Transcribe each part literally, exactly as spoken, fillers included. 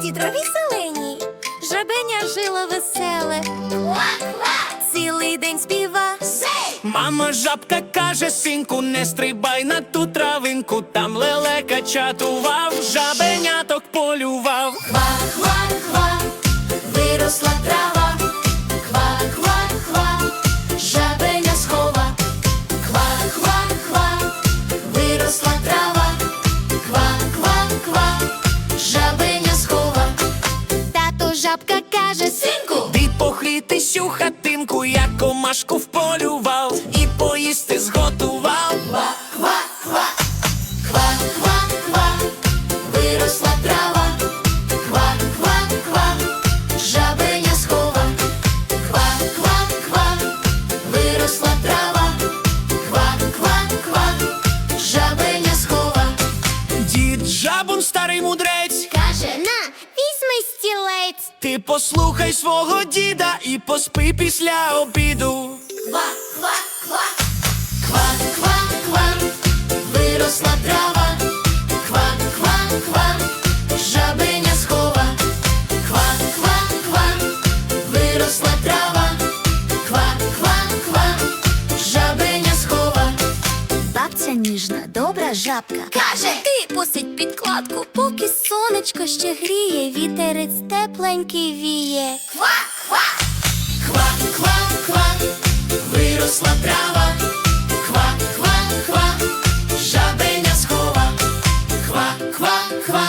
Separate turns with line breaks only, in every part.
густій траві зеленій жабеня жило веселе, цілий день співа.
Мама жабка каже: синку, не стрибай на ту травинку, там лелека чатував, жабеняток полював.
Хва-хва-хва, виросла трава, хва-хва-хва, жабеня схова. Хва-хва-хва, виросла трава, хва-хва-хва, жабеня схова. Тато жабка каже: синку,
Ти похитись у хатинку, я комашку вполював і поїсти зготував.
хва-хва-хва, хва-хва-хва, виросла трава, хва-хва-хва, жабеня схова. Хва-хва-хва, виросла трава, хва-хва-хва, жабеня схова.
Дід жабун, старий мудрець,
Каже: на, візьми стілець.
ти послухай свого діда і поспи після обіду.
Хва-хва-хва, хва-хва-хва, виросла трава, хва-хва-хва, жабеня схова. Хва-хва-хва, виросла трава, хва-хва-хва, жабеня схова. Бабця ніжна, добра жабка каже: ти посидь підкладку, поки сонечко ще гріє, вітерець тепленький віє. Хва-хва, хва-хва-хва, виросла трава, хва-хва-хва, жабеня схова. Хва-хва-хва,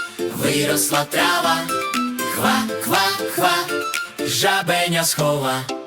виросла трава, хва-хва-хва, жабеня схова.